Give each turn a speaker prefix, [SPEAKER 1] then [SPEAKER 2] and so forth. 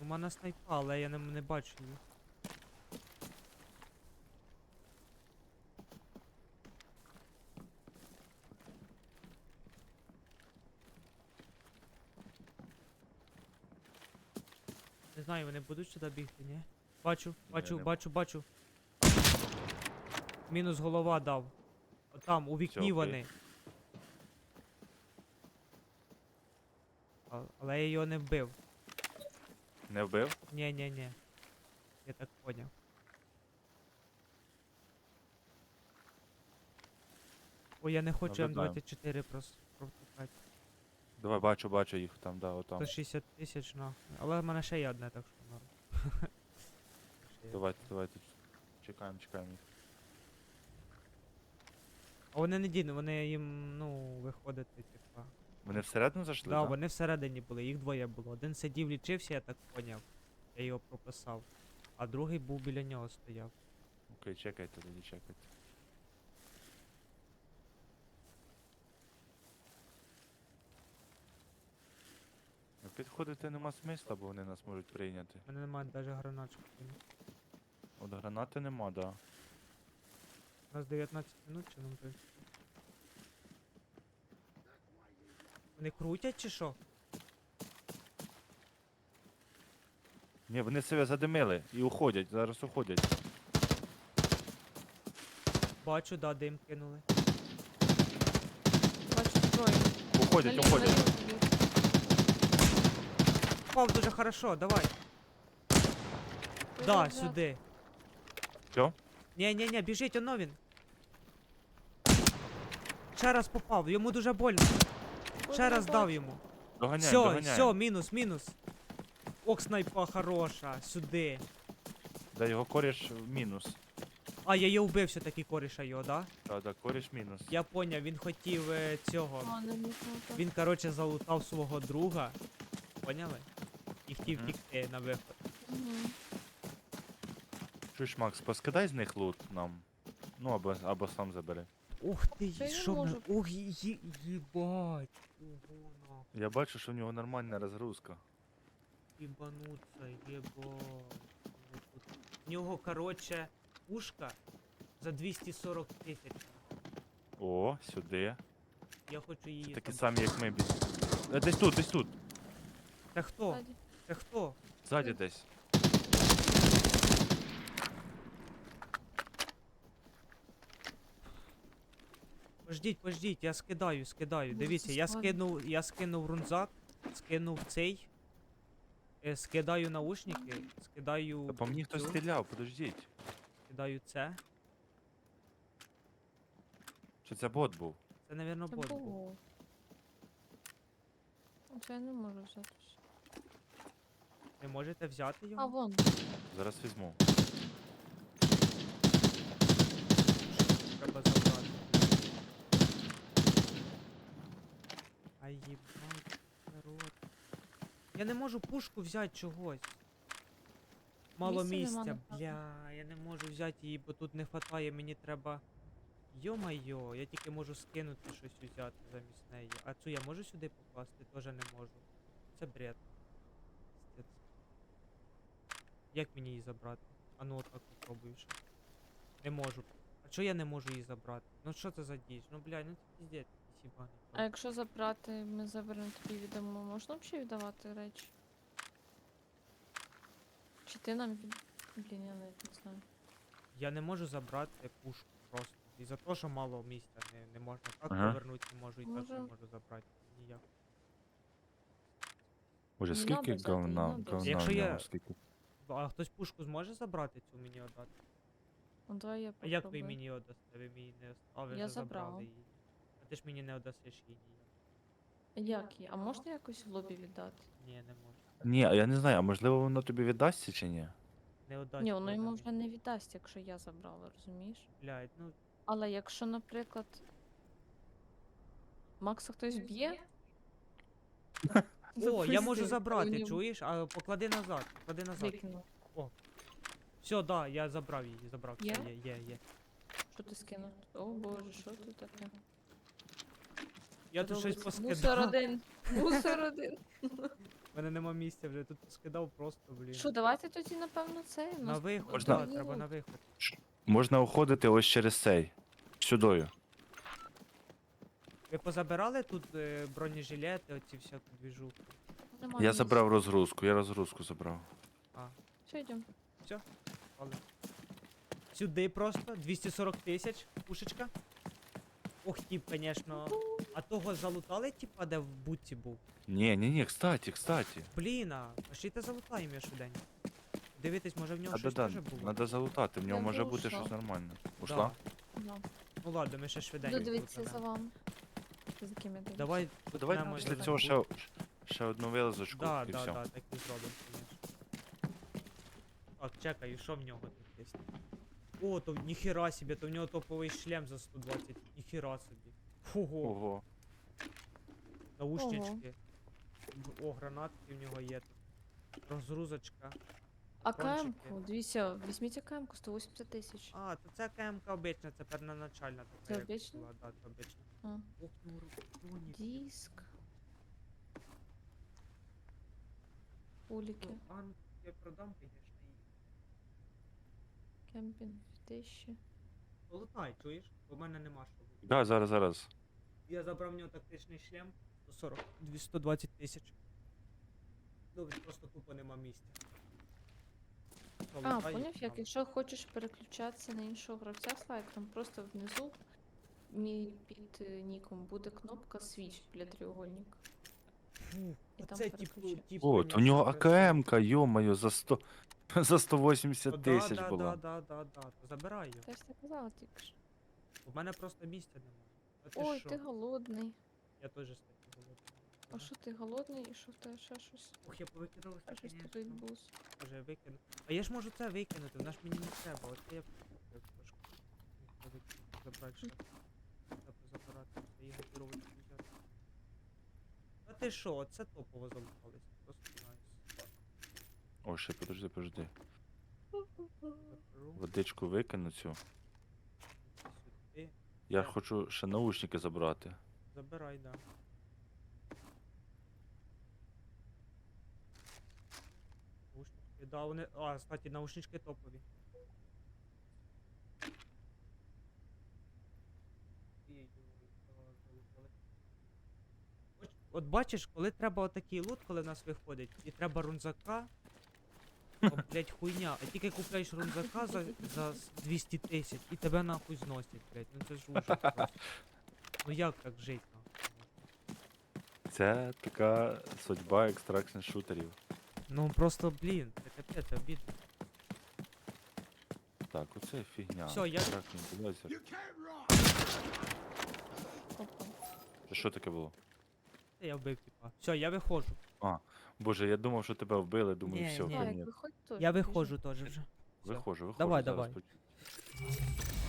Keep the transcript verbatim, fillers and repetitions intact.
[SPEAKER 1] мене снайпа, але я не, не бачу її. Не знаю, вони будуть сюди бігти, ні? Бачу, бачу,
[SPEAKER 2] не-
[SPEAKER 1] бачу, бачу. Мінус голова дав. Там, у вікні
[SPEAKER 2] окей.
[SPEAKER 1] вони. А- Але я його не вбив.
[SPEAKER 2] Не вбив?
[SPEAKER 1] Ні, ні, ні. Я так поняв. Ой, я не хочу М
[SPEAKER 2] Наблюдаємо.
[SPEAKER 1] двадцять чотири прос- протикати.
[SPEAKER 2] Давай, бачу, бачу їх там, да, отам.
[SPEAKER 1] сто шістдесят тисяч нахуй. Але в мене ще є одне, так що норм. Ще є.
[SPEAKER 2] Давайте, давайте. Чекаємо, чекаємо їх.
[SPEAKER 1] А вони не дійсно, вони їм, ну, виходити, типа.
[SPEAKER 2] Вони всередину зайшли,
[SPEAKER 1] Да,
[SPEAKER 2] так?
[SPEAKER 1] вони всередині були, їх двоє було. Один сидів, лічився, я так поняв. Я його прописав. А другий був біля нього стояв.
[SPEAKER 2] Окей, чекайте тоді, чекайте. Ну, підходити нема смисла, бо вони нас можуть прийняти.
[SPEAKER 1] У мене немає навіть гранатчик.
[SPEAKER 2] От гранати нема, да.
[SPEAKER 1] У нас дев'ятнадцять минут чи нам вже? Вони крутять чи що?
[SPEAKER 2] Ні, вони себе задимили і уходять, зараз уходять.
[SPEAKER 1] Бачу, да, дим кинули.
[SPEAKER 3] Бачу зброю.
[SPEAKER 2] Уходять,
[SPEAKER 3] Наліво,
[SPEAKER 2] уходять.
[SPEAKER 3] наліво тобі.
[SPEAKER 1] Попав дуже хорошо, давай. Да,
[SPEAKER 3] Виїжджав.
[SPEAKER 1] сюди.
[SPEAKER 2] Що?
[SPEAKER 1] Ні-ні-ні, біжить, оно він. Ще раз попав, йому дуже больно.
[SPEAKER 3] Ой,
[SPEAKER 1] Ще
[SPEAKER 3] я
[SPEAKER 1] раз дав
[SPEAKER 3] бачу.
[SPEAKER 1] йому.
[SPEAKER 2] Доганяємо,
[SPEAKER 1] Все,
[SPEAKER 2] доганяємо.
[SPEAKER 1] все, мінус, мінус. Ок, снайпа хороша, сюди.
[SPEAKER 2] Да, його коріш в мінус.
[SPEAKER 1] А, я його вбив все-таки коріша його, да?
[SPEAKER 2] Да, да, коріш мінус.
[SPEAKER 1] Я поняв, він хотів е, цього.
[SPEAKER 3] А, не можна так.
[SPEAKER 1] Він, короче, залутав свого друга. Поняли? І хотів
[SPEAKER 2] Мгм.
[SPEAKER 1] втікти на виход.
[SPEAKER 3] Мгм.
[SPEAKER 2] Чуєш, Макс, поскидай з них лут нам. Ну, або, або сам забери.
[SPEAKER 1] Ух ти,
[SPEAKER 3] Та я
[SPEAKER 1] що
[SPEAKER 3] можу.
[SPEAKER 1] мене. Ух, є- їбать. Ого, нахуй.
[SPEAKER 2] Я бачу, що в нього нормальна розгрузка.
[SPEAKER 1] Їбануться, єбать. В нього, короче, пушка за двісті сорок тисяч.
[SPEAKER 2] О, сюди.
[SPEAKER 1] Я хочу її.
[SPEAKER 2] Це такі
[SPEAKER 1] забрати.
[SPEAKER 2] самі, як ми. бі- Е, Десь тут, десь тут.
[SPEAKER 1] Це хто?
[SPEAKER 3] Ззаді.
[SPEAKER 1] Це хто?
[SPEAKER 2] Ззаді десь.
[SPEAKER 1] Пождіть, пождіть, я скидаю, скидаю.
[SPEAKER 3] Ну,
[SPEAKER 1] Дивіться,
[SPEAKER 3] це
[SPEAKER 1] я
[SPEAKER 3] складно.
[SPEAKER 1] скинув, я скинув рунзак, скинув цей. е, Скидаю наушники, скидаю.
[SPEAKER 2] Та по мені хтось
[SPEAKER 1] цю,
[SPEAKER 2] стріляв, подождіть.
[SPEAKER 1] Скидаю це.
[SPEAKER 2] Чи це бот був?
[SPEAKER 1] Це, напевно,
[SPEAKER 3] Це
[SPEAKER 1] бот був.
[SPEAKER 3] було. Оце я не можу взяти.
[SPEAKER 1] Ви можете взяти
[SPEAKER 3] А,
[SPEAKER 1] його?
[SPEAKER 3] вон.
[SPEAKER 2] Зараз візьму.
[SPEAKER 1] Треба забрати. Ай, їбать, народ. Я не можу пушку взяти чогось. Мало
[SPEAKER 3] Місця нема,
[SPEAKER 1] місця,
[SPEAKER 3] напевно.
[SPEAKER 1] бля, я не можу взяти її, бо тут не хватає, мені треба. Йо-майо, я тільки можу скинути щось взяти замість неї. А цю я можу сюди покласти? Теж не можу. Це бред. Пиздець. Як мені її забрати? А ну отак попробую ще. Не можу. А чого я не можу її забрати? Ну що це за діч? Ну блядь, ну це піздець, якийсь їбаний.
[SPEAKER 3] А якщо забрати, ми заберемо тобі відомо, можна взагалі віддавати речі? Чи ти нам від... Блін, я навіть не знаю.
[SPEAKER 1] Я не можу забрати пушку просто. І за те, що мало місця, не, не можна так
[SPEAKER 2] Ага.
[SPEAKER 1] повернути, не можу і так не
[SPEAKER 3] Може-
[SPEAKER 1] можу забрати. Ніяк.
[SPEAKER 2] Боже,
[SPEAKER 3] Не
[SPEAKER 2] скільки
[SPEAKER 3] надо взяти, не
[SPEAKER 2] говна,
[SPEAKER 3] надо
[SPEAKER 2] говна
[SPEAKER 1] Якщо
[SPEAKER 2] в
[SPEAKER 1] я-
[SPEAKER 2] ньому, скільки.
[SPEAKER 1] А хтось пушку зможе забрати цю мені віддати?
[SPEAKER 3] Ну давай я
[SPEAKER 1] А
[SPEAKER 3] попробую.
[SPEAKER 1] як ви мені її віддасте? Ви мені не ост- А, ви
[SPEAKER 3] Я
[SPEAKER 1] вже забрали
[SPEAKER 3] забрала.
[SPEAKER 1] її. А ти ж мені не віддасиш її ніяк.
[SPEAKER 3] Як її? А можна якось в лобі віддати?
[SPEAKER 1] Ні, не можу.
[SPEAKER 2] Ні, а я не знаю, а можливо воно тобі віддасться чи ні?
[SPEAKER 1] Не віддасть.
[SPEAKER 3] Ні, воно
[SPEAKER 1] вона
[SPEAKER 3] йому
[SPEAKER 1] мені.
[SPEAKER 3] вже не віддасть, якщо я забрала, розумієш?
[SPEAKER 1] Блядь, ну
[SPEAKER 3] Але якщо, наприклад, Макса хтось б'є.
[SPEAKER 1] О, я можу
[SPEAKER 3] Запусти,
[SPEAKER 1] забрати,
[SPEAKER 3] коли
[SPEAKER 1] чуєш? А поклади назад, поклади назад.
[SPEAKER 3] Викинув.
[SPEAKER 1] Все, да, я забрав її, забрав. Все,
[SPEAKER 3] Є?
[SPEAKER 1] є, є, є.
[SPEAKER 3] Що ти скинув? О боже, що тут таке?
[SPEAKER 1] Я тут щось
[SPEAKER 3] Робиться.
[SPEAKER 1] поскидав.
[SPEAKER 3] Мусор один. Мусор один.
[SPEAKER 1] мене нема місця вже, тут скидав просто, блін.
[SPEAKER 3] Що, давайте тоді, напевно, це. у
[SPEAKER 1] На
[SPEAKER 3] нас
[SPEAKER 1] виход,
[SPEAKER 2] Можна-
[SPEAKER 1] да, треба на виход.
[SPEAKER 2] Можна уходити ось через цей. Сюдою.
[SPEAKER 1] Ви позабирали тут е, бронежилети, оці всяку двіжуху?
[SPEAKER 3] Нема
[SPEAKER 2] Я
[SPEAKER 3] місця.
[SPEAKER 2] забрав розгрузку, я розгрузку забрав.
[SPEAKER 3] Все, йдемо.
[SPEAKER 1] Але. Сюди просто, двісті сорок тисяч, пушечка. Ох, тіп, конечно. А того залутали, типа, де в бутці був?
[SPEAKER 2] Ні, ні, ні, кстати, кстати.
[SPEAKER 1] Блін, а пошліте залутаємо я швиденько. Дивитись, може в нього
[SPEAKER 2] Надо,
[SPEAKER 1] щось
[SPEAKER 2] да,
[SPEAKER 1] теж було?
[SPEAKER 2] надо залутати, в нього
[SPEAKER 3] Я
[SPEAKER 2] може
[SPEAKER 3] вже
[SPEAKER 2] бути
[SPEAKER 3] ушла.
[SPEAKER 2] щось нормальне.
[SPEAKER 1] Да.
[SPEAKER 2] Ушла?
[SPEAKER 3] Да.
[SPEAKER 1] Ну ладно, ми ще швиденько.
[SPEAKER 3] Буду дивитися за
[SPEAKER 1] залутанемо.
[SPEAKER 3] вами. За ким я дивлюсь.
[SPEAKER 1] Давай,
[SPEAKER 2] Давай
[SPEAKER 1] Прямо
[SPEAKER 2] після
[SPEAKER 1] за
[SPEAKER 2] цього
[SPEAKER 1] бут.
[SPEAKER 2] ще, ще одну вилазочку
[SPEAKER 1] Да,
[SPEAKER 2] і
[SPEAKER 1] да,
[SPEAKER 2] все.
[SPEAKER 1] да, так і зробимо, конечно. Так, чекай, що в нього тут є? О, то ніхера собі, то в нього топовий шлем за сто двадцять. Ніхера собі. Фуго,
[SPEAKER 2] Ого.
[SPEAKER 1] наушнички. О, гранатки в нього є тут. Розгрузочка.
[SPEAKER 3] А
[SPEAKER 1] Кончики.
[SPEAKER 3] КМ-ку, дивіться, візьміть КМ-ку, сто вісімдесят тисяч.
[SPEAKER 1] А, то це КМК обична, це переначальна така.
[SPEAKER 3] Це
[SPEAKER 1] як
[SPEAKER 3] обична?
[SPEAKER 1] була, Да, це обична.
[SPEAKER 3] А.
[SPEAKER 1] Ох, ну бронік.
[SPEAKER 3] Диск. Уліки.
[SPEAKER 1] Ну, а, ну, я продам, конечно, її.
[SPEAKER 3] Кемпінг тисячі.
[SPEAKER 1] Полутай, чуєш? Бо в мене нема що. бути.
[SPEAKER 2] Да, зараз, зараз.
[SPEAKER 1] Я забрав в нього тактичний шлем. сто сорок, двісті двадцять тисяч. Ну, він просто тупо нема місця.
[SPEAKER 3] А,
[SPEAKER 1] Полутай,
[SPEAKER 3] поняв, як
[SPEAKER 1] там.
[SPEAKER 3] якщо хочеш переключатися на іншого гравця слайк, там просто внизу мій під е, ніком буде кнопка Switch для треугольника.
[SPEAKER 1] Фу,
[SPEAKER 3] І там
[SPEAKER 1] оце типу,
[SPEAKER 3] переключай.
[SPEAKER 1] тип.
[SPEAKER 2] О, то в нього АКМ-ка, йо-моє, за сто... за сто вісімдесят тисяч
[SPEAKER 1] да,
[SPEAKER 2] була.
[SPEAKER 1] Да, да, да, да, то забирай його.
[SPEAKER 3] Та я ж так казала тільки що.
[SPEAKER 1] У мене просто місця немає. А ти
[SPEAKER 3] Ой,
[SPEAKER 1] що?
[SPEAKER 3] ти голодний.
[SPEAKER 1] Я теж статтю голодний.
[SPEAKER 3] А що ти голодний і що в тебе ще щось?
[SPEAKER 1] Ох, я повикидав
[SPEAKER 3] Ще
[SPEAKER 1] все,
[SPEAKER 3] щось
[SPEAKER 1] конечно.
[SPEAKER 3] тобі відбулось.
[SPEAKER 1] Може я викину. А я ж можу це викинути, вона ж мені не треба. От я я трошки міг би викинути, забрати ще. Треба забирати, це її готувати взяти. А ти що, оце топово залутались. Просто найс.
[SPEAKER 2] О, ще подожди, подожди.
[SPEAKER 1] Заберу,
[SPEAKER 2] Водичку викину цю.
[SPEAKER 1] сюди.
[SPEAKER 2] Я
[SPEAKER 1] Так.
[SPEAKER 2] хочу ще наушники забрати.
[SPEAKER 1] Забирай, да. Наушнички, да, вони. А, кстати, наушнички топові. Ой-ой-ой, да, залутали. От, от бачиш, коли треба отакий лут, коли в нас виходить, і треба рунзака, то, блять, хуйня. А тільки купляєш рунзака за, за с- двісті тисяч і тебе нахуй зносять, блять. Ну це ж ужас просто. Ну як так жить нахуй?
[SPEAKER 2] Це така судьба екстракшн шутерів.
[SPEAKER 1] Ну просто, блін, це капець, обідно.
[SPEAKER 2] Так, оце фігня.
[SPEAKER 1] Всьо, я-
[SPEAKER 2] Extraction laser.
[SPEAKER 3] Опа.
[SPEAKER 2] Це що таке було?
[SPEAKER 1] Та я вбив, типа. Все, я виходжу.
[SPEAKER 2] Боже, я думав, що тебе вбили, думаю,
[SPEAKER 1] Ні,
[SPEAKER 2] все,
[SPEAKER 1] ні.
[SPEAKER 3] Слайк,
[SPEAKER 2] конець.
[SPEAKER 3] виходь теж.
[SPEAKER 1] Я
[SPEAKER 3] біжи.
[SPEAKER 1] виходжу теж вже.
[SPEAKER 2] Виходжу, виходжу.
[SPEAKER 1] Давай,
[SPEAKER 2] зараз
[SPEAKER 1] давай.
[SPEAKER 2] поч-